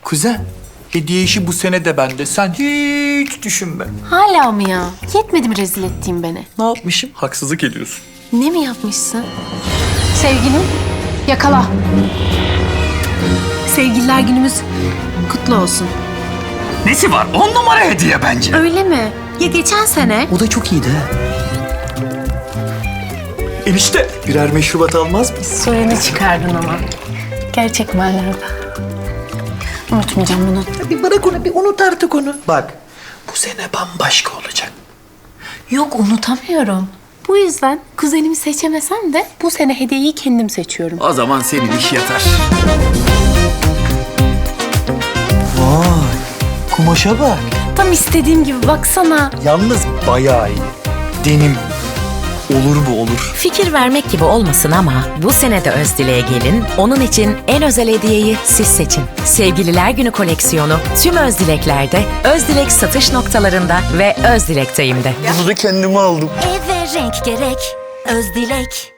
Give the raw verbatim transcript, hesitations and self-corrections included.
Kuzen, hediye işi bu sene de bende. Sen hiç düşünme. Hala mı ya? Yetmedi mi rezil ettiğin beni? Ne yapmışım? Haksızlık ediyorsun. Ne mi yapmışsın? Sevgilim, yakala. Sevgililer günümüz kutlu olsun. Nesi var? On numara hediye bence. Öyle mi? Ya geçen sene? O da çok iyiydi ha. Enişte, birer meşrubat almaz mısın? Soyunu çıkardın ama. Gerçek manada. Unutmayacağım bunu. Bir bırak onu, bir unut artık onu. Bak, bu sene bambaşka olacak. Yok, unutamıyorum. Bu yüzden kuzenimi seçemesem de bu sene hediyeyi kendim seçiyorum. O zaman senin iş yatar. Vay, kumaşa bak. Tam istediğim gibi, baksana. Yalnız bayağı iyi. Denim. Olur bu olur. Fikir vermek gibi olmasın ama bu sene de Özdilek'e gelin, onun için en özel hediyeyi siz seçin. Sevgililer Günü koleksiyonu tüm Özdileklerde, Özdilek satış noktalarında ve Özdilek'teyim'de. Bunu da kendime aldım. Eve renk gerek, Özdilek.